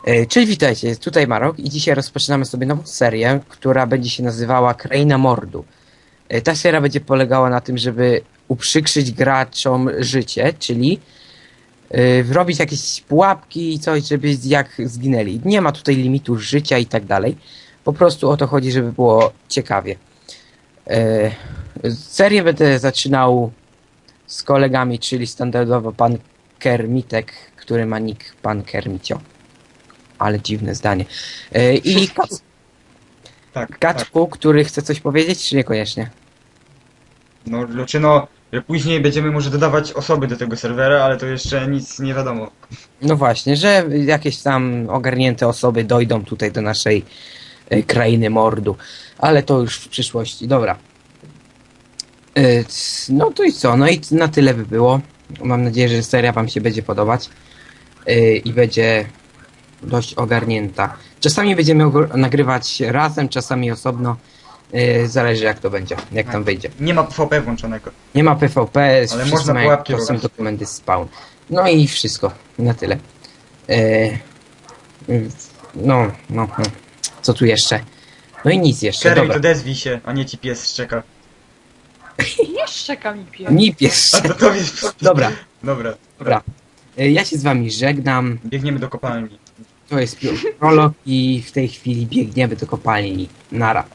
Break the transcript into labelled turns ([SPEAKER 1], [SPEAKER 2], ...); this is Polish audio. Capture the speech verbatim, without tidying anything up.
[SPEAKER 1] E, Cześć, witajcie, tutaj Marok i dzisiaj rozpoczynamy sobie nową serię, która będzie się nazywała Kraina Mordu. E, Ta seria będzie polegała na tym, żeby uprzykrzyć graczom życie, czyli e, robić jakieś pułapki i coś, żeby jak zginęli. Nie ma tutaj limitu życia i tak dalej. Po prostu o to chodzi, żeby było ciekawie. E, Serię będę zaczynał z kolegami, czyli standardowo pan Kermitek, który ma nick pan Kermicio. Ale dziwne zdanie. E, I Kac-
[SPEAKER 2] Tak, tak.
[SPEAKER 1] Kaczku, który chce coś powiedzieć, czy niekoniecznie?
[SPEAKER 2] No, znaczy no, że później będziemy może dodawać osoby do tego serwera, ale to jeszcze nic nie wiadomo.
[SPEAKER 1] No właśnie, że jakieś tam ogarnięte osoby dojdą tutaj do naszej e, krainy mordu. Ale to już w przyszłości. Dobra. E, c- No to i co? No i na tyle by było. Mam nadzieję, że seria wam się będzie podobać. e, I będzie dość ogarnięta. Czasami będziemy ogó- nagrywać razem, czasami osobno. e, Zależy jak to będzie, jak tam wyjdzie.
[SPEAKER 2] Nie ma P V P włączonego.
[SPEAKER 1] Nie ma P V P,
[SPEAKER 2] Ale
[SPEAKER 1] wszyscy
[SPEAKER 2] można
[SPEAKER 1] mają
[SPEAKER 2] pułapki
[SPEAKER 1] to są
[SPEAKER 2] robić.
[SPEAKER 1] dokumenty spawn. No i wszystko, na tyle. E, mm, no, no, no, co tu jeszcze? No i nic jeszcze,
[SPEAKER 2] Kerry,
[SPEAKER 1] dobra.
[SPEAKER 2] to odezwij się, a nie ci pies szczeka.
[SPEAKER 3] Nie szczeka mi pies.
[SPEAKER 1] Nip jeszcze.
[SPEAKER 2] A to to jest...
[SPEAKER 1] Dobra,
[SPEAKER 2] Dobra,
[SPEAKER 1] dobra. E, Ja się z wami żegnam.
[SPEAKER 2] Biegniemy do kopalni.
[SPEAKER 1] To jest prolog i w tej chwili biegniemy do kopalni. Nara.